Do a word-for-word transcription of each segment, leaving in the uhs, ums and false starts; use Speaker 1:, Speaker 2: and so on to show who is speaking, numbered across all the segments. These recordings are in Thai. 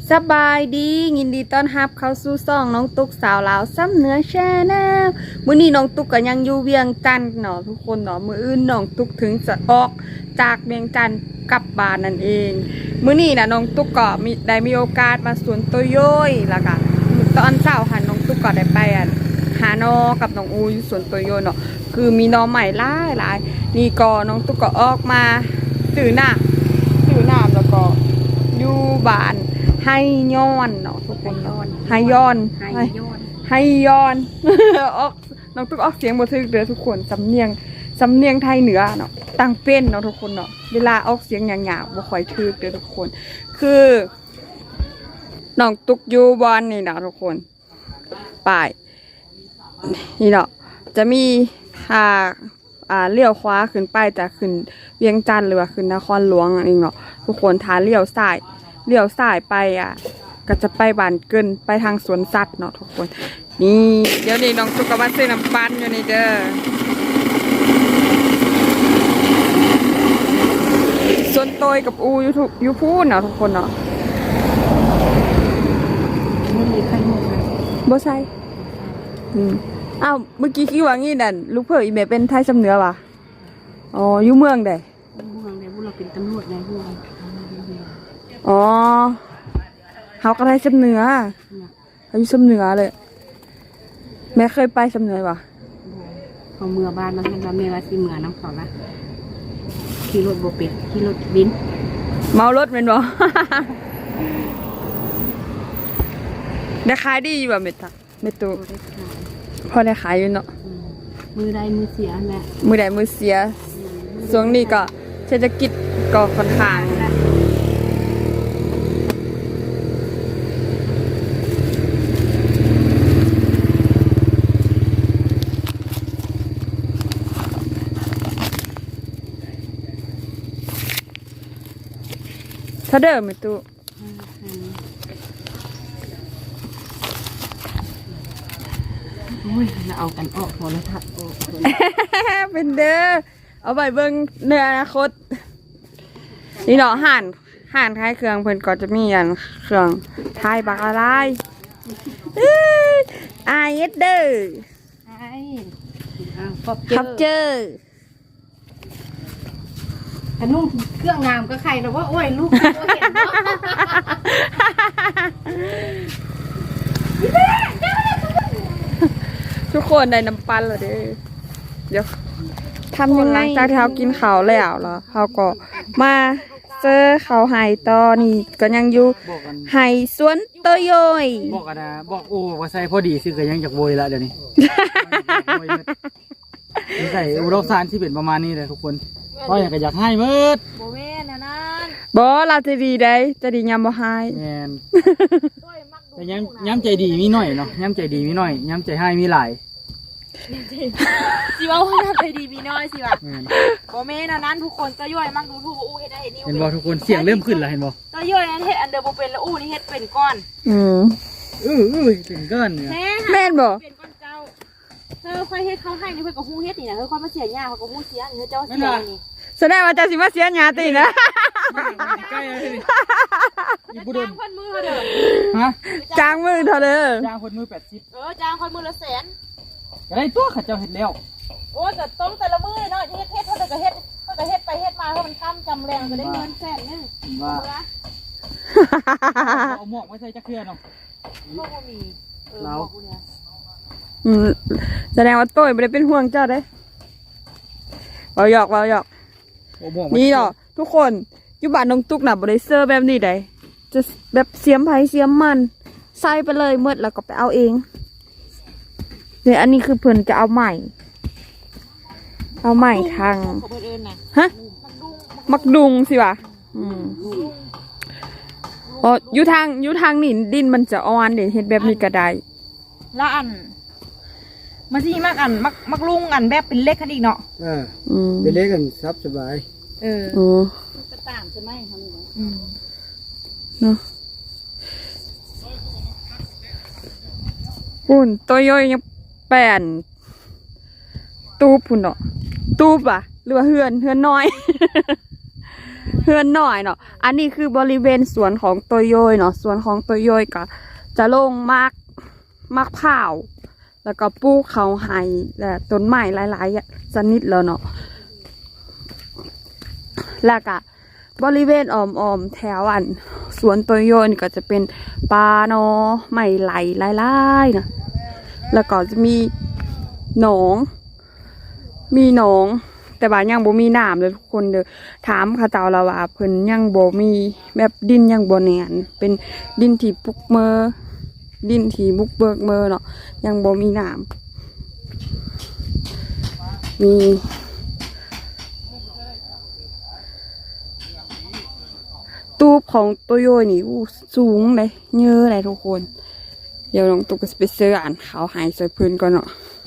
Speaker 1: สบายดียินดีต้อนรับเข้าสู่ซ่องน้องตุ๊กสาวลาวซ้ำเหนือแชนแนลมื้อนี้น้องตุ๊กก็ยังอยู่เวียงจันทน์เนาะทุกคนเนาะมื้ออื่นน้องตุ๊กถึงจะออกจากเวียงจันทน์กลับบ้านนั่นเองมื้อนี้นะน้องตุ๊กก็มีได้มีโอกาสมาสวนโตโย้ยแล้วก็ตอนเช้าหันน้องตุ๊กก็ได้ไปอ่ะหานอกับน้องอูอยู่สวนโตโย้ยเนาะคือมีน้องใหม่หลายหลายนี่ก็น้องตุ๊กก็ออกมาซื้อน้ำซื้อน้ำแล้วก็อยู่บ้านให้ย้อนเนาะทุกคนเนาะให้ย้อนให้ย้อนให้ย้อนออกน้องตุ๊กออกเสียงบ่ถึกเด้อทุกคนสำเนียงสำเนียงไทยเหนือเนาะต่างเป็นเนาะทุกคนเนาะเวลาออกเสียงหยาบๆบ่ค่อยถึกเด้อทุกคนคือน้องตุ๊กอยู่บ้านนี่เนาะทุกคนป้ายนี่เนาะจะมีทางอ่าเลี้ยวขวาขึ้นไปแต่ขึ้นเวียงจันทน์หรือว่าขึ้นนครหลวงอันนี้เนาะทุกคนทางเลี้ยวซ้ายเลี้ยวซ้ายไปอ่ะก็จะไปบ้านเกินไปทางสวนสัตว์เนาะทุกคนนี่เดี๋ยวนี้น้องตุ๊กก็มาซื้อน้ำปั่นอยู่นี่เด้อส่วนโตยกับอูอยู่ทุกอยู่พูนเนาะทุกคนเนาะ
Speaker 2: ไม่มีใครหมดเลย
Speaker 1: บ่ใช่อืมอ้าวเมื่อกี้คิดว่างี้นั่นลูกเผยอีเมเป็นไทยสำเนือว่ะอ๋ออยู่เมืองใด
Speaker 2: พวกเราเนี่ยพวกเราเป็นตำรวจในพวกเรา
Speaker 1: อ๋อเฮาก็ไทยสำเนือเขาอยู่สำเนือเลยแม่เคยไปสำเนือว่ะ
Speaker 2: เขาเมื่อบ้านเราเห็นว่าเมื่อว่าสิเมื่อน้ำเขาละขี่รถโบเป็ดขี่รถบิน
Speaker 1: เมารถเป็นบ่ ได้ขายดีอยู่บ่เม็ดตาเม็ดตูพอได้ขายอยู่เนาะ
Speaker 2: มือใดมือเสียแหละ
Speaker 1: มือใดมือเสียช่วงนี้ก็เศรษฐกิจก็ค่อนข้างถ้าเดิมไม่ตู้
Speaker 2: โอ้ยเราเอากันออกพอแล้วทัดออก
Speaker 1: เป็นเด้อเอาไปเบิ่งในอนาคตนี่เนาะห่านห่านท้ายเครื่องเพิ่นก็จะมีอันเครื่องท้ายบักอะไรไอเอสเด้อ
Speaker 2: ไอ้
Speaker 1: ขับเจอ
Speaker 2: ขนุ่มเครื่องงามก็ใครแต่ว่าโอ้ยลูกก็เห็นเนาะ
Speaker 1: ทุกคนได้น้ำปั่นแล้วเด้อเดี๋ยวทำยังไงจากที่เขากินข้าวแล้วเหรอเขาก็มาเจอเขาไห้ตอนี่ก็ยังอยู่ไห้สวนโตโย้ย
Speaker 3: บอกกันนะบอกโอ้ว่าใส่พอดีสิก็ยังจากโวยละเดี๋ยวนี้ใส่อุดมสารที่เป็นประมาณนี้เลยทุกคนก็อยากจะอยากให้มืด
Speaker 2: โบเว่นะนั่น
Speaker 1: บอเราจะดีได้จะดียามบ่ให้
Speaker 3: แมนแต่ย้ำย้ำใจดีมีหน่อยเนาะย้ำใจดีมีหน่อยย้ำใจให้มีหลาย
Speaker 2: สิว่าว่าใจดีมีน้อยสิว่ะโบเว่นะนั่นทุกคนจะย่อยมากดูทูบอู้เฮ็ดได้เห็นนี่
Speaker 3: เห็นบ่ทุกคนเสียงเริ่มขึ้นแล้วเห็นบ่
Speaker 2: จะย่อยนั้นเฮ็ดอันเดอร์โบเป็นแล้วอู้นี่เฮ็ดเป็นก้อน
Speaker 1: อืม
Speaker 3: เออเออเป็นก้อนเนี่ย
Speaker 1: แม่นบ่
Speaker 2: เป็นก้อนเจ้าเธอค่อยเฮ็ดเขาให้นี่เพื่อนก็ฮู้เฮ็ดนี่นะเธอค่อยมาเสียหญ้าเขาก็ฮู้เสียเธอเจ้าเสียนี่
Speaker 1: แสดงว่าจะสิมาเสียหญ้าตินะ
Speaker 3: ใกล้เลย
Speaker 2: นี่บุญจ้างคนมือเด้อ
Speaker 3: ฮะ
Speaker 1: จ้างมือเท่าเด้อ
Speaker 3: จ้างคนมือแปดสิบ
Speaker 2: เออจ้างคนมือละแสน
Speaker 3: ก็ได้ตัวข้าเจ้าเห็ดแล้ว
Speaker 2: โอ้แต่ต้องแต่ละมือเนาะเฮ็ดเฮ็ดเท่าเดิมก็เฮ็ดเท่ากับเฮ็ดไปเฮ็ดมาเพราะมันค้ำจำแรงก็ได้เงินแสนนึงว่า
Speaker 3: เอาหมวกไว้ใส่จักรเครือเนาะ
Speaker 2: พวกบ่มีเออบอกกูเนี่ย
Speaker 1: อืมแสดงว่าโต้ยไม่ได้เป็นห่วงเจ้าเด้เราหยอกเราหยอกนี่เนาะทุกคนอยู่บ้านน้องตุ๊กน่ะบริเซอร์แบบนี้ได้จะแบบเสียมไผ่เสียมมันใส่ไปเลยเมื่อแล้วก็ไปเอาเองเนี่ยอันนี้คือเพิ่นจะเอาใหม่เอาใหม่ทางฮะมักดุงสิวะอืมอ๋ออยู่ทางอยู่ทางนี่ดินมันจะอ่อนเดี๋ยวเห็ดแบบนี้ก็ได้
Speaker 2: ละอันมาที่มักอันมักมักลุงอันแบบเป็นเล็กกันอีกเนาะ
Speaker 3: อ่าเป็นเล็กกันซับสบาย
Speaker 2: เออ
Speaker 1: โอ้
Speaker 2: กระต่างใช่ไหมทำอย่าง
Speaker 1: นี้เนาะปุ่นตัวย่อยยังแป่นตูบปุ่นเนาะตูบอ่ะหรือว่าเฮือนเฮือนน้อยฮือนหน่อยเนาะอันนี้คือบริเวณสวนของตัวโยยเนาะสวนของตัวโยยก็จะลงมากมากเผาวแล้วก็ปลูกเขาไห้และต้นไม้หลายๆชนิดแล้วเนาะแล้วก็บริเวณอ้อมๆแถวอันสวนตัวโยนก็จะเป็นปลาเนาะไม้ไหลหลายๆนะแล้วก็จะมีหนองมีหนองแต่ว่ายังบ่มีน้ำเลยทุกคนเด้อถามเขาเจ้าละว่าเพิ่นยังบ่มีแบบดินยังบ่แน่นเป็นดินที่ปุกเมอดินที่บุกเบิกเมอเนาะยังบ่มีน้ำมีตูบของโตโยนี่อู้สูงเลยเยอะเลยทุกคนเดี๋ยวน้องตุ๊กก็จะไปซื้ออ่านเขาหายสวยพื้นก่อนเนาะ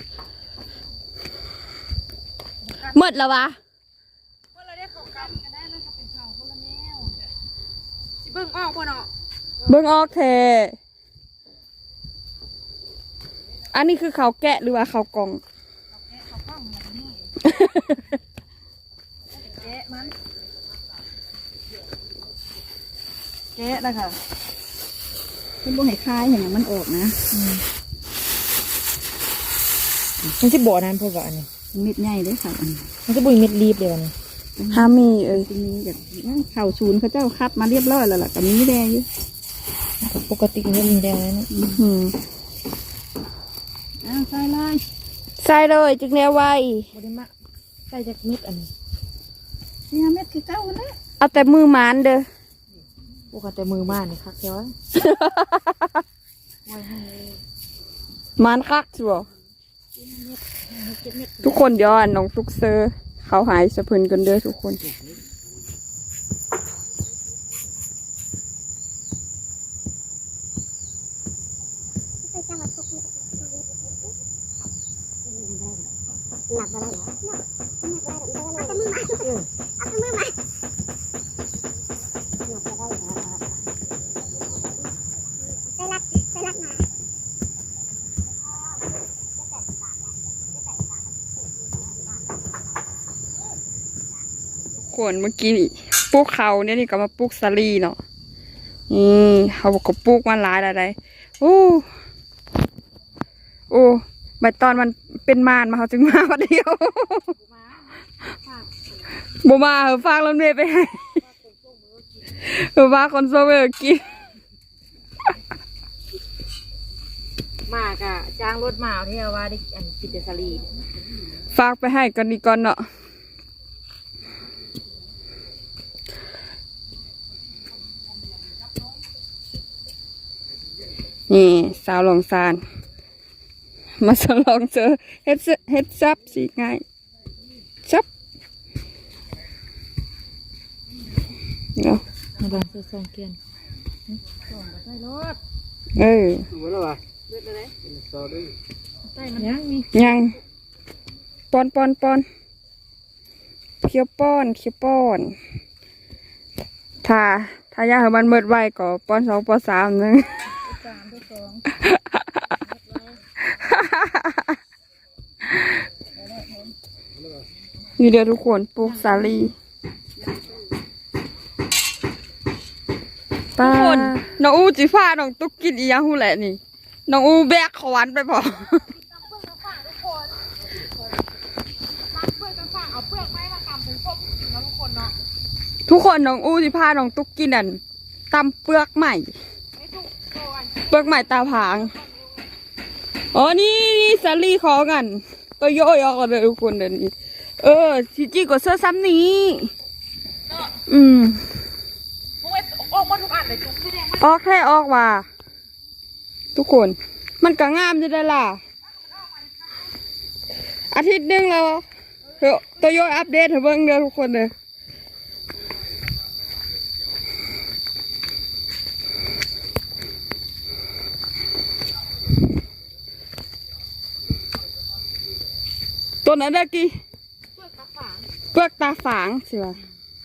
Speaker 1: หมดแล้ววะ
Speaker 2: เมื่อเราได้เขากำกันได้มันก็เป็นเขาคนละแนวสิเบิ่งออกบ่เนาะ
Speaker 1: เบิ้งออกเทอันนี้คือเขาแกะหรือว่าเขากล่อง
Speaker 2: เขากล้องแบบนี้แกะมันแกะแล้วค่ะ
Speaker 4: เป็นบ่ให้คายอย่างมันออกนะ
Speaker 2: มันสิบ่อนั้นพูดว่าอันนี้
Speaker 4: เม็ดใหญ่เด้อค่ะอันนี้
Speaker 2: มันสิบ่มีเม็ดรีบเลยอันนี้
Speaker 1: ฮามีเอ้ย
Speaker 4: จะมีแบบเข่าศูนย์เขาเจ้าคัดมาเรียบร้อยแล้วล่ะกับนี้แดงอยู่
Speaker 2: ปกติมันจะมีแดงนะ
Speaker 1: อืม
Speaker 4: อ้าวใส่เลย
Speaker 1: ใส่เลยจึงแนวไว้
Speaker 2: บ่ได้มาใส่จากเม็ดอันนี้
Speaker 4: เนี่ยเม็ดคือเจ้านะ
Speaker 1: เอาแต่มือหมานเด้อ
Speaker 2: ปกติมือมานี่คักเดียว
Speaker 1: หมานคักชัวทุกคนเดี๋ยวอ่ะน้องทุกเซอร์เขาหายสะพึนกันเด้อทุกคนคนเมื่อกี้นี่ปลูกเขาเนี่ยนี่ก็มาปลูกสาลีเนาะนี่เขาบอกก็ปลูกมาหลายอะไรโอ้โอ้ใบตอนมันเป็นมานมาเขาจึงมาวันเดียวบ่มาเหรอฝากรถเมย์ไปให้เหรอฝากคนโซเวอร์กิน
Speaker 2: มากอ่ะจ้างรถมาเอาที่ว่าได้อันกินเดซารี
Speaker 1: ฝากไปให้กันดีก่อนเนาะนี่สาวหลงซานมาสลองเจอเฮ็ดซึเฮ็ดซับสิง่ายซับเนาะ
Speaker 2: ในบ้านซื้อซองเกียน
Speaker 1: เออ
Speaker 3: ดูแล้วว่ะ
Speaker 2: ใต้มันยังมี
Speaker 1: ยังปอนปอนปอนเคี้ยวป้อนเคี้ยวป้อนถ้าถ้าอยากให้มันเมิดไวก็ป้อนสองป้อนสามหนึง
Speaker 4: สามด้วยสอง
Speaker 1: นี่เดียวทุกคนปลูกสาลีทุกคนน้องอูจีฟ้าน้องตุ๊กกินอีหยังหูแหละนี่น้องอูแบกขวานไปพอ
Speaker 2: เอาเปลือกไม้มากำเป็นพวกนะทุกคนเนาะ
Speaker 1: ทุกคนน้องอูจีฟ้าน้องตุ๊กกินอันตำเปลือกใหม่
Speaker 2: ไม่ถูกโตอัน
Speaker 1: เปลือกใหม่ตาผางอ๋อนี่นี่สาลีขอกันตัวโยยออกเลยทุกคนเดี๋ยวนี้เออจีจีก็เสื้อซ้ำนี้
Speaker 2: เนาะ
Speaker 1: อืม
Speaker 2: พวกไอ้ออกมาทุกอันเลยจุ๊บพี่แดงมัน
Speaker 1: ออกแค่ออกว่าทุกคน มันก็งามจะได้ล่ะ อาทิตย์หนึงแล้วเฮ้ยตัวโยอัปเดตให้เบิ่งเด้อทุกคนเด้อตัวนั้นเด้อกี้
Speaker 2: เปลือกตาฝาง
Speaker 1: เปลือกตาฝางสิวะ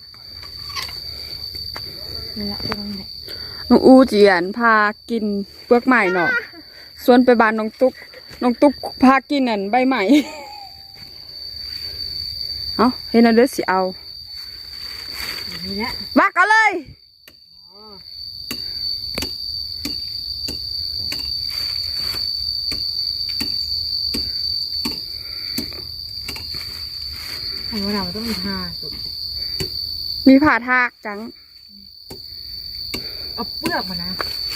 Speaker 2: นี่แหละตัวนั้นแหละ
Speaker 1: น้องอูเจียนพากินเปลือกใหม่เนาะส่วนไปบ้านน้องตุ๊กน้องตุ๊กพากินนั่นใบใหม่ เอาเห็นแล้วเด้อสิเอา
Speaker 2: เนี่แหละ
Speaker 1: มากันเลย
Speaker 2: ไข่มะนาวมันต้องมีทาสุด
Speaker 1: มีผ่าทากจัง
Speaker 2: เอาเปลือกมานะ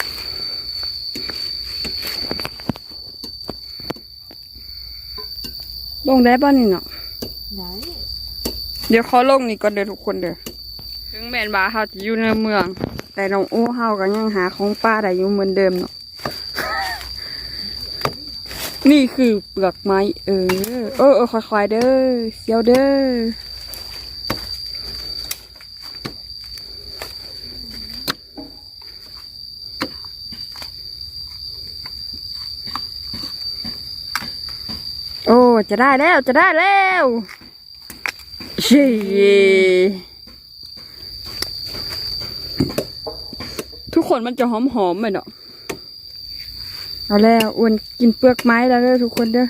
Speaker 1: ลงได้ป่ะนี่เนาะ
Speaker 2: ไหน
Speaker 1: เดี๋ยวเขาลงนี่ก่อนเด้อทุกคนเด้อถึงแม่นบาเฮาจะอยู่ในเมือง แต่น้องอู้เฮาก็ยังหาของป้าได้อยู่เหมือนเดิมเนาะ นี่คือเปลือกไม้เออเออเออค่อยๆเด้อเสียวเด้อโอ้จะได้แล้วจะได้แล้วเชี่ยทุกคนมันจะหอมๆไหมเนาะเอาแล้วอ้วนกินเปลือกไม้แล้วเด้อทุกคนเด้อ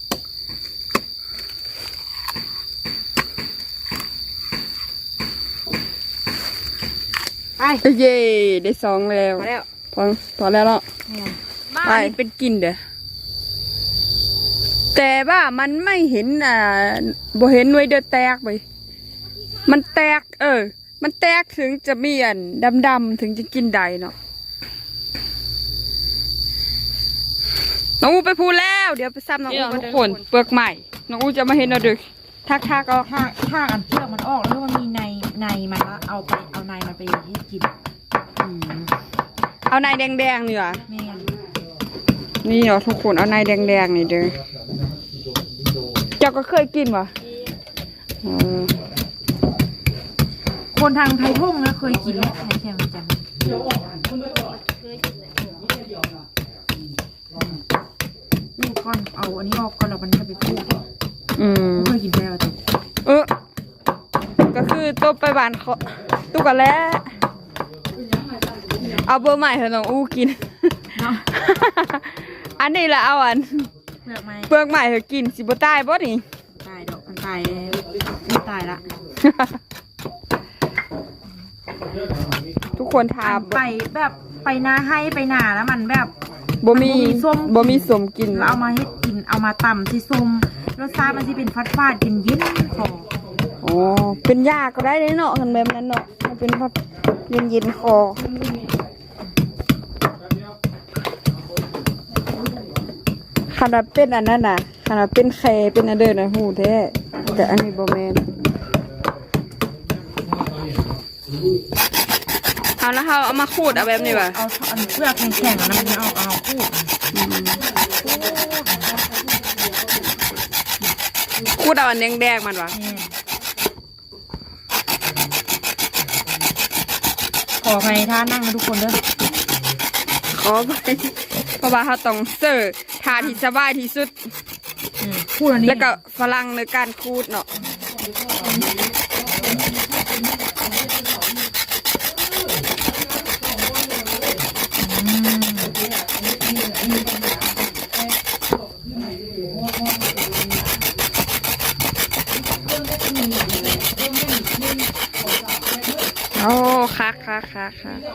Speaker 1: ไปเย่ได้สองแล้ว
Speaker 2: มาแล้ว
Speaker 1: พอพอแล้วเนาะ
Speaker 2: นี่
Speaker 1: ไปเป็นกินเด้อแต่ว่ามันไม่เห็นอ่าบ่เห็นหน่วยเดือดแตกไปมันแตก เออ มันแตกถึงจะมีอันดำๆถึงจะกินได้เนาะน้องอูไปพูดแล้วเดี๋ยวไปซ้ำน้องอูทุกคนเปลือกใหม่น้องอูจะมาเห็นเราดึกทักทักก็
Speaker 2: ถ้าถ้าอันเปลือกมันออกแล้วมันมีในในมันแล้วเอาไปเอาในมันไปให้กิน
Speaker 1: เอาในแดงๆนี่ว่ะ
Speaker 2: แม่น
Speaker 1: นี่เนาะทุกคนเอาในแดงๆนี่เด้อเจ้าก็เคยกินวะอ๋อ
Speaker 2: คนทางไทยทุ่งนะเคยกินไหมไทยแค่มันจังนี่ก่อนเอาอันนี้ออกก่อนแล้วมันจะไปพูด
Speaker 1: อืม
Speaker 2: เคยกินแล้วจ้ะ
Speaker 1: เออก็คือตัวไปบ้านเขาตุกกันแล้วเอาเบอร์ใหม่เถอะน้องอู้กิน
Speaker 2: เนาะ
Speaker 1: อันนี้แหละเอาอัน
Speaker 2: เปลือกไหม
Speaker 1: เปลือกใหม่เถอะกินสิบ่ตายบ่นี่
Speaker 2: ตายดอกมันตายไม่ตายละ
Speaker 1: ทุกคนทา
Speaker 2: ไปแบบไปนาให้ไปนาแล้วมันแบบ
Speaker 1: บ่มี
Speaker 2: มันบ่มีส้ม
Speaker 1: บ่มีสมกิน
Speaker 2: แล้วเอามาให้กินเอามาตำที่ซุ่มรสชาติมันที่เป็นฟัดฟาดกินเย็นคอ
Speaker 1: อ๋อเป็นยาก็ได้เนาะกันแบบนั้นเนาะมันเป็นแบบเย็นเย็นๆคอขนาดเป็นอันนั้นน่ะขนาดเป็นแคเป็นอันเดินนะหูแท้แต่อันนี้บ่แม่นเอาแล้วเขาเอามาขูดเอาแบบนี้ว่ะ
Speaker 2: เอาอันเปลือกแข็งๆอันนั้นมันเอาเอาพูด
Speaker 1: ขูดเอาอันแดงๆมันว่ะ
Speaker 2: นี่ขออภัยท่านั่งนะทุกคนเด้อ
Speaker 1: ขอไปเพราะว่าเขาต้องเสิร์ฟทาที่สบายที่สุด
Speaker 2: อืมพูดอันนี้
Speaker 1: แล้วก็ฝรั่งในการขูดเนาะโอ้คักคักคักคัก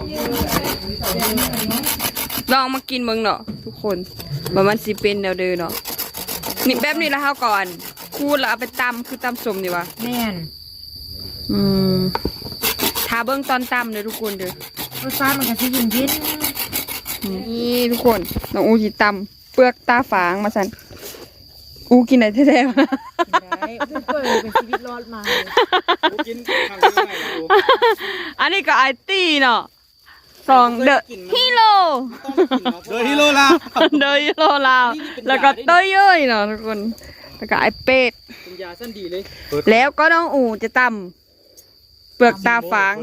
Speaker 1: ลองมากินเบิ่งเนาะทุกคนว่ามันสิเป็นแนวเดิมเนาะนี่แบบนี้แล้วเฮาก่อนคูดแล้วเอาไปตำคือตำสมดีวะ
Speaker 2: แม่น
Speaker 1: อืมทาเบิ่งตอนตำเลยทุกคนเด้อ
Speaker 2: รสชาติมันก็จะเย็นเย็น
Speaker 1: นี่ทุกคนน้องอูจิตำเปลือกตาฝางมาสันอูกินไหนแท้ๆวะ
Speaker 2: ได้เพิ่งเปิดเป็นชีวิตรอดมาเลย
Speaker 3: กินทางนี้ได้ดู
Speaker 1: อันนี้ก็ไอตี้เนาะสองเดอะฮีโร่
Speaker 3: เดยฮิโร่ละ
Speaker 1: เดอะฮีโร่ลาวแล้วก็เต้ยเย้ยเนาะทุกคนแล้วก็ไอเป็ด
Speaker 3: เป็นยาสั้นดีเลย
Speaker 1: แล้วก็น้องอูจะตำเปลือกตาฝาง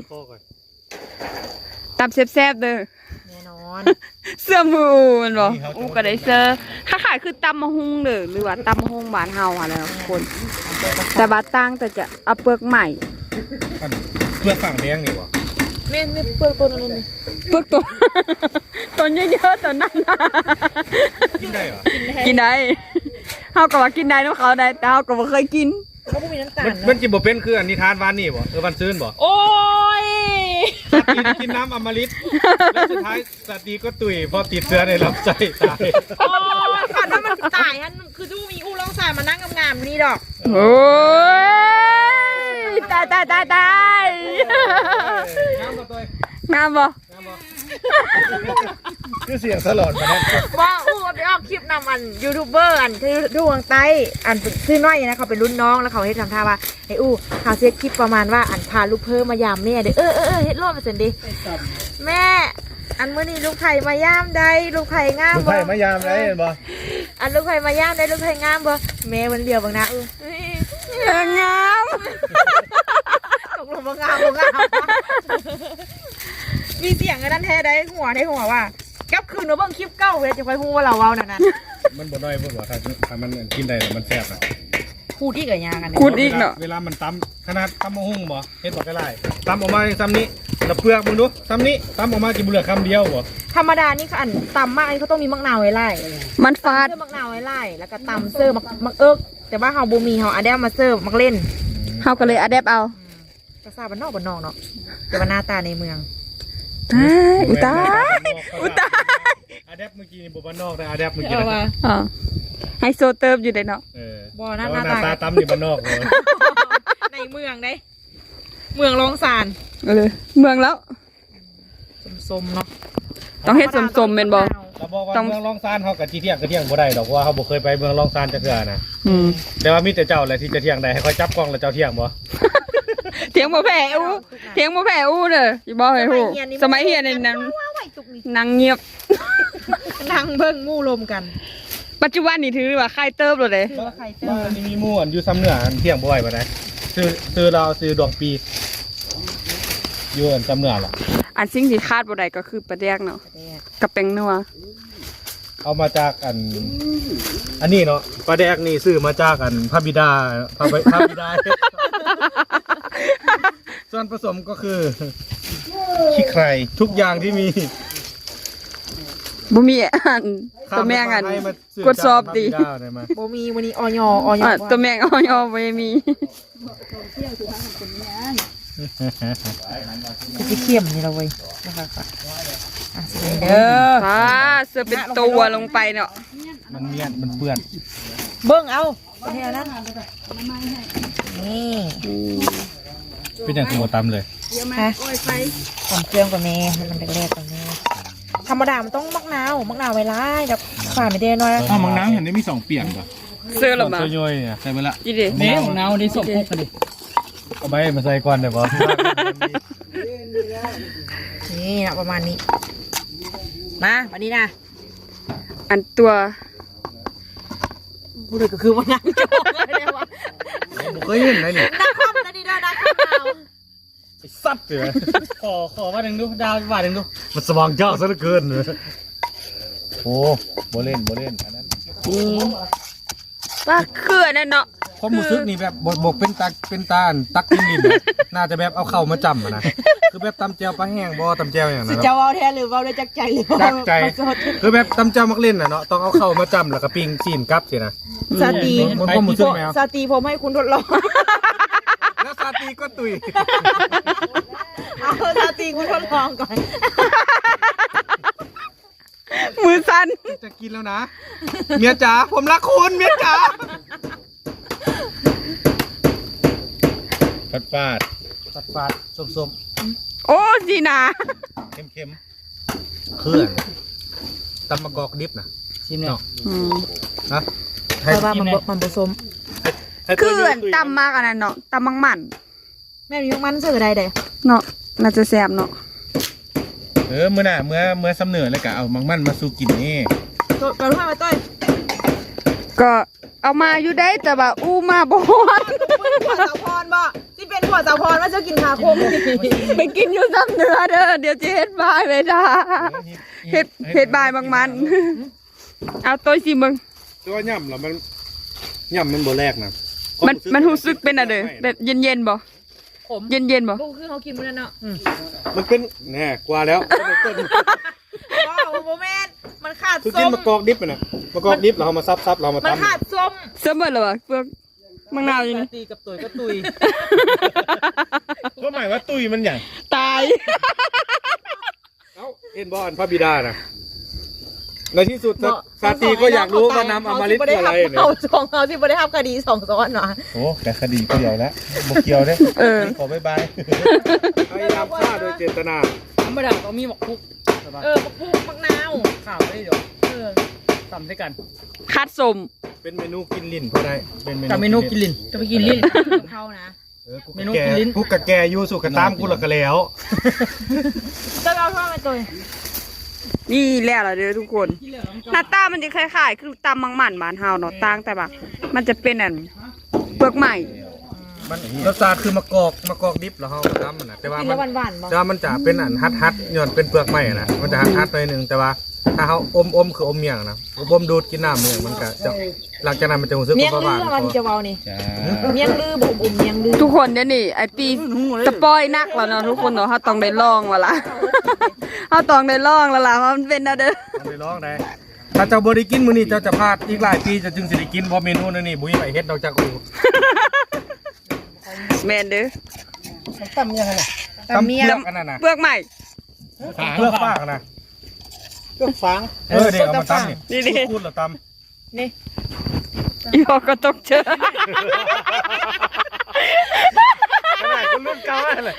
Speaker 1: ตำแซ่บๆเด้อ
Speaker 2: แน่นอน
Speaker 1: เสื้อมืออูมันบอกอูก็ได้เสื้อค่าขายคือตำมะฮุงเด้อหรือว่าตำมะฮุงบ้านเฮาอะไรทุกคน แต่บาตั้งแต่จะเอาเปลือกใหม่
Speaker 3: เพื่อฝั่งแดงนี่วะ
Speaker 2: แม่นไม่เปลือกตัวนั้นเลย
Speaker 1: เปลือกตัว ตัวเยอะๆตัวนั้นนะ
Speaker 3: กินได้เหรอ
Speaker 1: กินได้เฮาก็ว่ากินได้น้ำเขาได้แต่เฮาก็บ่เคยกิน
Speaker 2: เขาไม่มีน้ำตาล
Speaker 5: มัน
Speaker 2: เนาะ
Speaker 5: มันจิบ่เป็นคืออันนิทานวานนี่บ่เออวันซื่นบ่
Speaker 2: โอ้ย
Speaker 5: สัตว์กินกินน้ำอมฤตแล้วสุดท้ายสัตว์ดีก็ตุยพอติดเชื้อในลำไส้ตาย
Speaker 2: โอ้ยฝันว่ามันตายฮันคือทูมีอู้ร้องสายมานั่งงามๆนี่ดอก
Speaker 1: โอ้ยตายตายตายตาย
Speaker 5: น้ำบ่ตัว
Speaker 1: งามบ่
Speaker 5: น้ำบ่คือเสียงสลดมาเนี่ย
Speaker 2: ว่าอู้ไปออกคลิปนำอันยูทูบเบอร์อันที่ดูวงใต้อันชื่อน้อยนะเขาเป็นรุ่นน้องแล้วเขาให้ทำท่าว่าไอ้อู้เขาเซตคลิปประมาณว่าอันพาลูกเพิ่มมายามแม่เด้อเออเออเออเฮ็ดรอบมาเสร็จดิแม่อันเมื่อนี้ลูกไผ่มายามได้ลูกไผ่งาม
Speaker 5: ลูก
Speaker 2: บ่
Speaker 5: ไผ่มายามได้เห็นบ่
Speaker 2: อันลูกไผ่มายามได้ลูกไผ่งามบ่แม่มันเดียวบางนะอู้
Speaker 1: งาม
Speaker 2: ตกลงบ่งามบ่งามมีเสียงกันนั่นแท้ได้หัวได้หัวว่ากับคืนหนูเบิ่งคลิปเก่าเว้ยจะค่อยฮู้ว่าเราเว้านั่นน่ะ
Speaker 5: มันบ่น้อยบ่บ่ถ้าถ้ามันกินได้แล้วมันแซ่บนะ
Speaker 2: พูดอีกกับยากัน
Speaker 1: พูดอีกเนาะ
Speaker 5: เวลามันตำขนาดตำมะฮุ่งบ่เฮ็ดบ่ก็ได้ตำออกมาซ้ำนี้แล้วเปลือกมึงดูซ้ำนี้ตำออกมากินบ่เหลือคำเดียวบ่
Speaker 2: ธรรมดานี่เขาอันตำมากอันนี้เขาต้องมีมะนาวไว้ไล่
Speaker 1: มันฟาด
Speaker 2: เสื้อมะนาวไว้ไล่แล้วก็ตำเสื้อมักมักเอิกแต่ว่าเฮาบ่มีเฮาอันเดียวมาเสื้อมักเล่น
Speaker 1: เฮาก็เลยอะแดปเอา
Speaker 2: ภาษาบ้านนอกบ้านนอกเนาะแต่ว่าหน้าตาในเมือง
Speaker 1: ตายอุยตายอุยตาย
Speaker 5: อาแดปเมื่อกี้นี่บ่บ้านนอกนะอาแดปเมื่อกี้นะ
Speaker 1: อ๋อไฮโซเติมอยู่ได้เนาะ
Speaker 5: เออ
Speaker 2: บ่หน้า
Speaker 5: หน้า
Speaker 2: หน้า
Speaker 5: ตา
Speaker 2: ตา
Speaker 5: ตำนี่บ้านนอกเลย
Speaker 2: ในเมืองได้เมืองรองสาร
Speaker 1: เออเมืองแล้ว
Speaker 2: สมๆเนาะ
Speaker 1: ต้องเฮ็ดสมๆแม่นบ่
Speaker 5: เราบอกว่า
Speaker 1: ต้อง
Speaker 5: เมืองรองซานเขากับที่เที่ยงก็เที่ยงบ่ได้ดอกเพราะว่าเขาบ่เคยไปเมืองรองซานจักเทื่อนะ
Speaker 1: อืม
Speaker 5: แต่ว่ามีแต่เจ้าแหละที่จะเที่ยงได้ให้เขาจับกล้องแล้วเจ้าเที่ยงบ่
Speaker 1: เถียงบ่แพ้อู้เถียงบ่แพ้อู้เด้อสิบอกให้ฮู้สมัยเฮียนนี่นาง
Speaker 2: ว้าวไอ้ตุกนี่
Speaker 1: นางเงียบ
Speaker 2: นั่งเบิ่งมู่ลมกัน
Speaker 1: ปัจจุบันนี่ถือว่าใครเติบเลยเด้
Speaker 2: คือว่าใครเจอ
Speaker 5: บ้านนี้มีหมู่อันอยู่ซ้ำเหนืออันเที่ยงบ่อยปานใดซื้อซื้อเราซื้อดวงปีอยู่อันซ้ำเหนือล่ะ
Speaker 1: อันสิ่งที่คาดบ่ได้ก็คือปลาแดกเนาะกับแป้งนัว
Speaker 5: เอามาจากอัน อันนี้เนาะปลาแดกนี่ซื้อมาจากอันพระบิดาพระบิพระบิดา ส่วนผสมก็คือขี้ไครทุกอย่างที่มี
Speaker 1: บ่มีอันตัวแมงอันกดสอบดิ
Speaker 5: ข้ามไปทางพระบิดาได้มา
Speaker 2: โบมีวันนี้ออยออย
Speaker 1: อ่ะตัวแมงอ้อยๆบ่มี
Speaker 2: คือเขี้ยมนี่เราเว้ยนะคะอ่ะสวัสดีเด้อ
Speaker 1: อ่าเสื้อเป็นตัวลงไปเนาะ
Speaker 5: มันเมียนมันเปื้อน
Speaker 2: เบิ้งเอาเท่านั้นนี่
Speaker 5: เป็นอย่างตัวตำเลย
Speaker 2: ฮะหอมเครื่องกว่าแม่ให้มันแรกๆกว่าแม่ธรรมดามันต้องมักนาวมักนาวไว้ไล่กับฝ่าไม่ได้น้อย
Speaker 5: อ้าวมังน้ำเห็นได้มีสองเปียกเหรอ
Speaker 1: เสื้อละมา
Speaker 5: ตัวย่อยเนี่ยใส่ไปละ
Speaker 1: อีเด้
Speaker 3: นี่ของเราได้ส่งพกกันดิ
Speaker 5: เอาไปมาใส่ก่อนเดี๋ยวบอ
Speaker 2: นี่นะประมาณนี้มาวันนี้นะ
Speaker 1: อันตัว
Speaker 2: พูดเลยก็คือว่านั่งจอกเลยเนี่ยวะ
Speaker 5: เคยเห็นไหมนี่
Speaker 2: นักคอมนะนี่ด้วยนักคอมเอา
Speaker 5: ไอ้สัตว์เลย
Speaker 3: ขอขอว่าหนึ่งดูดาวว่าหนึ่งดู
Speaker 5: มันสว่างเจ้าซะเหลือเกินเลยโอ้โบเล่นโบเล่นอันนั้น
Speaker 1: ว่าคืออันนั่นเนาะ
Speaker 5: ความรู้สึกนี่แบบบกบกเป็นตาเป็นตาอันตักกินดินนะน่าจะแบบเอาเข่ามาจำอะนะคือแบบตำแจวปลาแห้งบ่ตำแจวอย่างนั้น
Speaker 2: จะ
Speaker 5: เนาะ
Speaker 2: เอาแทนหรือเอาได้จักใจหรือ
Speaker 5: จักใจ
Speaker 2: มาสด
Speaker 5: คือแบบตำแจวมักเล่นน่ะเนาะต้องเอาเข่ามาจำแล้วก็ปิ้งซีนกลับสินะ
Speaker 2: สาตี
Speaker 5: มันความรู้สึกแมว
Speaker 2: สาตีผมให้คุณทดลอง
Speaker 5: แล้วซาตีก็ตุย
Speaker 2: เอาสาตีคุณทดลองก่อน
Speaker 1: มือสั่น
Speaker 5: จะกินแล้วนะ เมียจ๋าผมรักคุณเมียจ๋าฟาดฟาดฟาดฟาดส้มส้ม
Speaker 1: โอ้สินะ
Speaker 5: เข้มเข้มเครื่องตำมะกอกดิบนะ
Speaker 3: ชิมเนี่ย
Speaker 1: อืม
Speaker 5: นะ
Speaker 2: เพราะว่ามันบ่มันผสม
Speaker 1: คืออันตำมากอันนั้นเนาะตำมังมัน
Speaker 2: แม่มีมันเสือใดเด้
Speaker 1: เนาะน่าจะแซ่บเนาะ
Speaker 5: เออเมื่อน่ะเมื่อเมื่อสำเนือเลยกะเอามังมันมาสู่กินนี่
Speaker 2: ตัวกระทุ่มมาต้อย
Speaker 1: ก็เอามาอยู่ได้แต่ว่าอู้มาบ่ฮอด
Speaker 2: หัวสาวพรบ่ที่เป็นหัวสาวพรว่าจะกินขาคม
Speaker 1: ไปกินอยู่ซ้ำเนื้อเด้อเดี๋ยวจะเฮ็ดบายไปจ้าเฮ็ดเฮ็ดบายบางมันเอาตัวสิมึง
Speaker 5: ตัวย่ำเหรอมันย่ำมันโบแรกนะ
Speaker 1: มันมันรู้สึกเป็นอะไรแบบเย็นๆบ่
Speaker 2: ขม
Speaker 1: เย็นๆบ่
Speaker 2: ลูกคือเขากินมื้อนั้นเนาะ
Speaker 5: มันเป็นแน่กว่าแล้ว
Speaker 2: ว้าวโมเมนต์มันขาด
Speaker 5: คือ
Speaker 2: ส้
Speaker 5: กิน
Speaker 2: ม
Speaker 5: มะกอกดิบอะนะมะกอกดิบเราเอามาซับซับเรามา
Speaker 2: มัน
Speaker 5: ตำ
Speaker 2: ขาดส้ม
Speaker 1: เสมอแล้วบ่เปลือกมังนาวอยู่นี่
Speaker 3: ตีกับตุยก็ตุย
Speaker 5: ก็หมายว่าตุยมันอย่าง
Speaker 1: ตาย
Speaker 5: เอ้าเอ็นบอลพระบิดานะในที่สุดซาตีก็อยากรู้ว่าน้ำอมฤตคืออะไรเนี่ย
Speaker 2: เอาสองเอาที่ไม่ได้ทำคดีสองซ้อนเนาะ
Speaker 5: โอ้แต่คดีเกี่ยวแล้วบกเกี่ยวเด้
Speaker 1: เออ
Speaker 5: ขอบายบายพยายามฆ่าโดยเจตนา
Speaker 3: ธรรมดาต้องมีหมกคุก
Speaker 2: เออมะพร้าวมะนาว
Speaker 3: ข้าวไม่เดี๋ยว
Speaker 2: เออ
Speaker 3: ตำด้วยกัน
Speaker 1: คัดสม
Speaker 5: เป็นเมนูกินลิ้นเพราะได้เป็น
Speaker 3: กับเมนูกินลิ้น
Speaker 2: จะไปกินลิ้นเขานะ
Speaker 5: เออกู
Speaker 3: เมนู
Speaker 5: แก
Speaker 3: กินลิ้น
Speaker 5: กูกะแกอยู่สุกกะตามกูหลักกะแล้ว
Speaker 2: จะเอาท่อมาตัว
Speaker 1: นี่แล้วล่ะเด้อทุกคน หน้าตามันจะคล้ายๆคือตำมังหมันบ้านเฮาเนาะต่างแต่แบบมันจะเป็นอันเปลือกใหม่
Speaker 5: มันรสชาติคือมะกอกมะกอกดิบเหรอเฮาทำมันนะแต่ว่า
Speaker 2: กิน
Speaker 5: มั
Speaker 2: แล้ว
Speaker 5: น
Speaker 2: หวานๆบ่
Speaker 5: แต่ว่ามันจะเป็นอันฮัดฮัดๆย้อนเป็นเปลือกไม้นะมันจะฮัดฮัดๆหน่อยหนึงแต่ว่าถ้าเขาอมอมคืออมเมียงนะอมดูดกินน้ำเมียงมันก็จะหลังจากนั้นมันจะรู้สึก
Speaker 2: เมียง
Speaker 5: ว่า
Speaker 2: ลื
Speaker 5: หวา
Speaker 2: อน มันจะเบานี่เมียงลือบุ่มบุ่มเมียงลือ
Speaker 1: ทุกคนเดี๋ยวนี้ไอปีสปอยนักแล้วเนาะทุกคนเนาะเฮาต้องได้ลองแล้วล่ะ เฮาต้องได้ลองแล้วล่ะว่ามันเป็นอะเด้อ
Speaker 5: ต้องไปลองได้ถ้าเจ้าบ่ได้กินมื้อนี้เจ้าจะพลาดอีกหลายปีจะจึงสิได้กินเพราะเมนูนี้นี่บ่มีใครเฮ็ดนอกจากกู
Speaker 1: แม่นเด้อ
Speaker 5: ตำยังไงน่ะตำเมียงอันนั้นน่ะ
Speaker 1: เปลือกใหม่
Speaker 5: เปลือกฟางนะเปลือกฟางเออเดี๋ยวเอามาตำนี่
Speaker 1: นี่ๆ
Speaker 5: พูดเหรอตำ
Speaker 2: นี่
Speaker 1: อีพอก็ตกเจอ
Speaker 5: ขนาดคนรุ่นเก่าเลย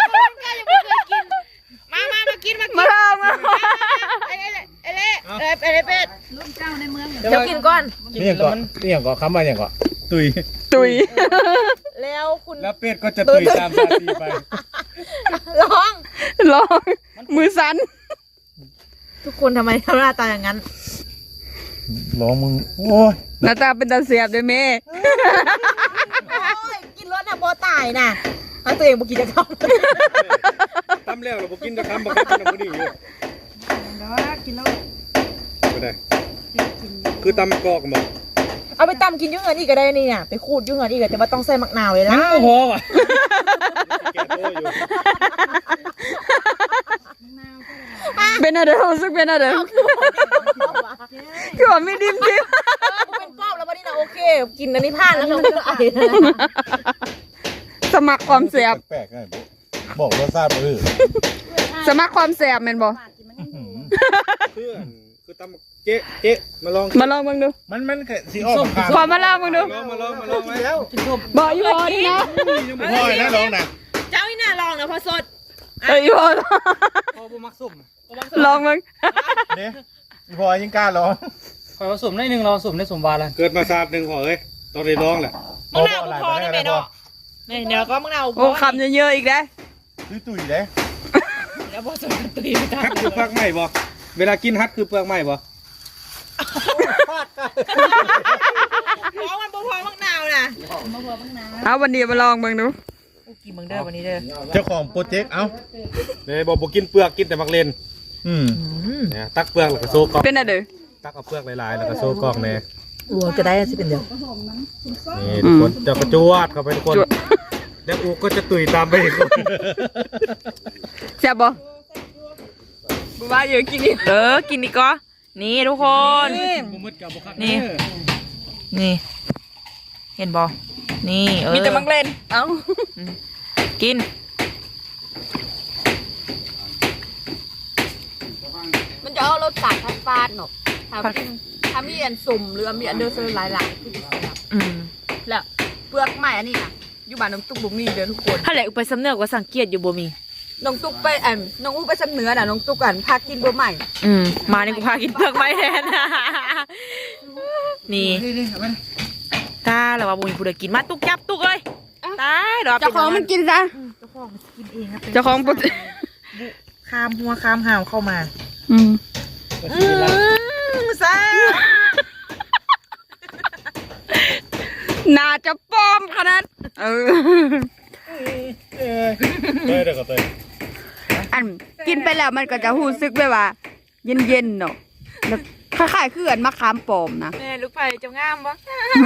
Speaker 2: มามามากินมา
Speaker 1: มาลองมา
Speaker 2: ไอ้เล่ไอ้เล่ไอ้เล่เป็ดรุ่นเจ้าในเมืองเดี๋ยวกินก่อน
Speaker 5: นี่ยังก่อนนี่ยังก่อนคำว่าอย่างก่อนตุย
Speaker 1: ตุย
Speaker 2: แล้วคุณ
Speaker 5: แล้วเป็ดก็จะตุยตามซาตีไป
Speaker 2: ร้อง
Speaker 1: ลองมือสั่น
Speaker 2: ทุกคนทำไมทำหน้าตาอย่างนั้น
Speaker 5: ร้องมึงโอ้ย
Speaker 1: หน้าตาเป็นตาเสียบด้วยแม่
Speaker 2: โอ้ยกินรสน่ะพอตายน่ะเอาตัวเองบุกินจะทำ
Speaker 5: ตำแล้วเราบอกกินจะคำบอกกินน้ำมันนี่อยู่
Speaker 4: แล้วกินแล้ว
Speaker 5: ไม่ได้คือตำกอกบอก
Speaker 2: เอาไปตำกินยุ่งเงินอีกก็ได้นี่น่ะไปขูดยุ่งเงินอีกแต่ว่าต้องใส่มะนาวเลยนะ
Speaker 3: โอ้โหว่ะ
Speaker 5: แกโตอยู่
Speaker 1: เป็นอะไรรู้สึกเป็นอะไรคือว่าไม่ดิ้มดิ้ม
Speaker 2: เป็นปอบแล้ววันนี้นะโอเค กินอันนี้พลาดแล้วเราไม่ต้องไอ้
Speaker 1: สมัครความแสบ
Speaker 5: แปลกๆไงบอกรสชาติไปเลย
Speaker 1: สมัครความแสบแม่นบ่
Speaker 5: เพื่อนคือตำเจ๊เจ๊มาลอง
Speaker 1: มาลองเบิ่งดู
Speaker 5: มันมันแค่สีออกข้าง
Speaker 1: ขอมาลองเบิ่งดู
Speaker 5: ลองมาลองมาลองไหมแล้ว
Speaker 3: กินส้ม
Speaker 1: บอกอีพอนี่นะ
Speaker 5: พ่อยนะลองนะ
Speaker 2: เจ้าอีน่าลองนะพอสด
Speaker 1: เอ้ยอีพอ
Speaker 3: พอบุมักส้ม
Speaker 1: ลองเบิ่ง
Speaker 5: เนี่ยพ่อยยังกล้าลอง
Speaker 3: คอยผสมได้หนึ่งเราผสมได้สมวาแล้ว
Speaker 5: เกิดมาศาสตร์หนึ่งพอเอ้ยต้องได้ลองแหละ
Speaker 2: มะนาวพอได้ไหมเนาะนี่เดี๋ยวก็มะนาว
Speaker 1: โอ้คำเยอะๆอีกได้
Speaker 5: ตุยตุยเลย
Speaker 2: แล้วพอสดตุยไปตา
Speaker 5: ฮัดคือเปลือกไม้บ่เวลากินฮัดคือเปลือกไม้บ่
Speaker 2: ร้องมันพอมะนาวนะ
Speaker 1: เอาวันนี้มาลองเบิ่งดู
Speaker 2: กินมึงเด้อวันนี้เด้อ
Speaker 5: เจ้าของโปรเจกต์เอ้าเนี่ยบอกบอกกินเปลือกกินแต่มักเลนอืมเนี่ยตักเปลือกแล้วก็โซกอก
Speaker 1: เป็นอะไร
Speaker 5: ตักเอาเปลือกหลายๆแล้วก็โซกอกเนี่ย
Speaker 2: อัวจะได้สิเป็นเดียว
Speaker 5: นี่ทุกคนเจะกระจวดเข้าไปทุกคนแล้วอูก็จะตุยตามไปอีกคน
Speaker 1: แซ่บบ่ว่าเยอะกินอีก
Speaker 2: เออกินดีก็นี่ทุกคน
Speaker 3: บุมืดกับบุคัก
Speaker 2: นี่ นี่ เห็นบอนี่เออ
Speaker 1: มีแต่มังเล่นเอ้า
Speaker 2: กิน
Speaker 1: มันจะเอารสชาติฟาดๆเนาะถ้ากินถ้ามีอันสุ่มหรือมีอันเดอร์เซอร์หลายๆคือสิแซ่บ
Speaker 2: อืม
Speaker 1: แล้วเปลือกไม้อันนี้น่ะอยู่บ้านน้องตุ๊กบ่มีเด้อทุกคน
Speaker 2: ถ้าแหละอุปสำเนึกว่าสังเกตอยู่บ่มี
Speaker 1: น้องตุ๊กไปอันน้องอู้ไปสำเหนือน่ะน้องตุ๊กอันพากินเบอร์ใหม่
Speaker 2: อืมมาในกูพากินเปลือกไม้แทน นี่ตาแล้วว่าบุญผู้ใดกินมาตุกจับตุกเลยตายดอก
Speaker 1: เจ้าของมันกินซะ
Speaker 2: เจ้าของมันกินเองครับ
Speaker 1: เจ้าของปุ๊บ
Speaker 2: คามหัวคามห่าวเข้ามา
Speaker 1: อืม
Speaker 2: อืมซ่า
Speaker 1: น่าจะปลอมขนาดเออ
Speaker 5: เต้ยเดี๋ยวก็เต้ย
Speaker 1: อันกินไปแล้วมันก็จะรู้สึกแบบว่า เย็นๆเนาะแล้วคล้ายๆคืออันมะขามปลอมนะ
Speaker 2: แม่ลูกไผ่เจ้างามปะ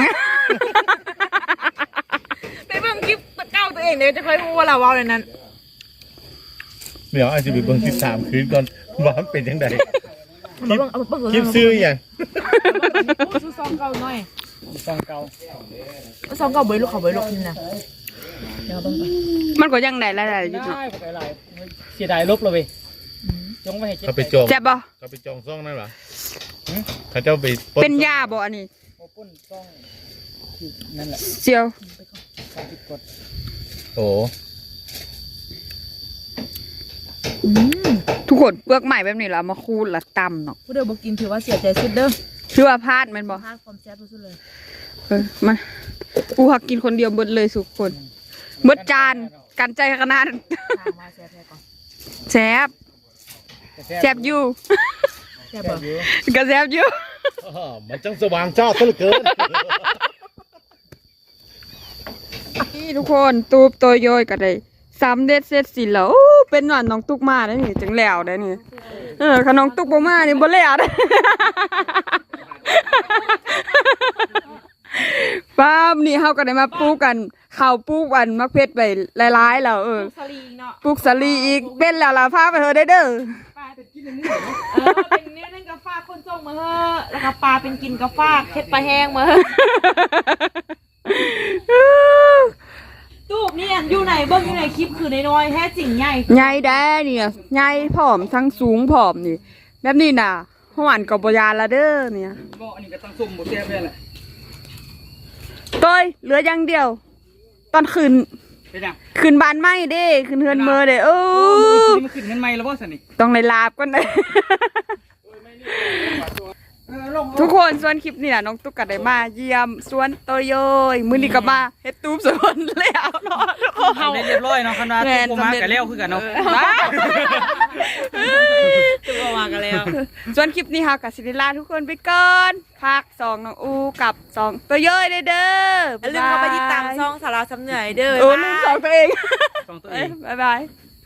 Speaker 2: ไปเบิ่งคลิปเก่าตัวเองเดี๋ยวจะค่อยรู้ว่าเราเว้าในนั้น
Speaker 5: เดี๋ยวอาจจะไปเบิ่งสิบสามคืนก่อนว่ามันเป็นยังไง
Speaker 2: เอามาเบิ่งเอามาเบิ่ง
Speaker 5: คลิปซื้ออย่าง
Speaker 2: ซื้อซองเก่าหน่อย
Speaker 3: ซองเก่า
Speaker 2: ซองเก่าเบยลูกเขาเบยลูกนี่นะเดี๋ยวเบิ่งก่อน
Speaker 1: มันก็ยังได้หลายๆอยู่
Speaker 3: ได้
Speaker 1: เนาะ
Speaker 3: บ่หลายเสียดายลบเลยเว้ยจงไว้ให้เจ็ด
Speaker 6: เขาไปจอง
Speaker 1: แซ่บบ่
Speaker 6: เขาไปจองซ่องนั่นเหรอเขาเจ้าไปปล้
Speaker 1: เป็นยาบ่อันนี้
Speaker 3: โอปุ้นซ่องคือนั่นแหละ
Speaker 1: เซียว
Speaker 3: สามสิบกด
Speaker 6: โอ้
Speaker 1: ทุกคนเปลือกใหม่แบบนี้เรามาคูดละตำเนาะ
Speaker 2: ผู้เดียวบอกกินถือว่าเสียใจสุดเด้อ
Speaker 1: คือว่าพลาดแมันบ่
Speaker 2: พลาดความแซ่บสุดเลย
Speaker 1: เออมากูหักกินคนเดียวเบิดเลยทุกคนเบิดจานกันใจขนาดนั้น
Speaker 2: ถามมาแซ่บแท้ก่อน
Speaker 1: แซ่บแซ่บอยู่
Speaker 2: แซ่บบ่
Speaker 1: ก็แซ่บอยู่
Speaker 6: อ้อมันจังสว่างชอบซะเหลือเกิน
Speaker 1: นี่ทุกคนตูบตัวย่อยก็ได้สามเด็ดเสร็จสิแล้วอู้เป็นหวานน้องตุกมาได้นี่จังแล้วได้นี่เออขน้องตุกบ่มานี่บ่แล้วได้ ป้ามนี่เฮาก็ได้มาปลูกกันข้าวปลูกอันมะเขือไปหลายๆแล้วเออ
Speaker 2: สลีเนาะ
Speaker 1: ปลูกสาลีอีกเป็นแล้วล่ะพาไปเถอะได้เด้อ
Speaker 2: ปลาเป็นกินอันนี้เหรอเออเป็นเนื้อนั่นกาฟาคนส่งมาเฮ้อแล้วก็ปลาเป็นกินกาฟาเค็ดปลาแห้งมาเฮ้อตูบเนี่ยอยู่ไหนเบิ้งอยู่ไหนคลิปคือน้อยๆแท้จริงใหญ่
Speaker 1: ใหญ่แด้เนี่ยใหญ่ผอมทั้งสูงผอมนี่แบบนี้น่ะหวานกับบยานละเด้อเนี่ย
Speaker 3: บ่อันนี้ก็ตั้งซุ่มบ่แซ่บเลยแหละ
Speaker 1: ต้อยเหลืออย่างเดียว ตอนคืน
Speaker 3: เป็นยัง
Speaker 1: คืนบ้านไหม้เด้คืนเฮือนเมอเด้เอ
Speaker 3: โอ้
Speaker 1: อ
Speaker 3: มันขึ้นเงินใหม่แล้วบ่ซั่นนี่
Speaker 1: ต้องในลาบก่อนเลย
Speaker 3: เออลง
Speaker 1: ทุกคนส่วนคลิปนี่น่ะน้องตุ๊กก็ได้มาเยี่ยมสวนโตโยยมื้อนี้ก็มาเฮ็ดตูบสวนแล้วเนาะทุกคน
Speaker 3: ทำได้เรียบร้อยเนาะคันว่า
Speaker 1: แม่น
Speaker 3: ตัวมา
Speaker 1: สำเร็จ
Speaker 3: ก็แล้วคือกันเนาะ
Speaker 2: ตัวมากันแล้ว
Speaker 1: ส่วนคลิปนี้ค่ะกับสิริลาทุกคนไปก่อนพักสองน้องอูกับสองตัวย่อยเด้อเด้อ
Speaker 2: อย่าลืมเข้าไปติดตามช่องสาราสำเหนื่อยเด้อ
Speaker 1: โอ้ลืมสองตัวเอง
Speaker 3: สองตัว
Speaker 1: เอ้
Speaker 3: เอย ง
Speaker 1: บ๊ายบาย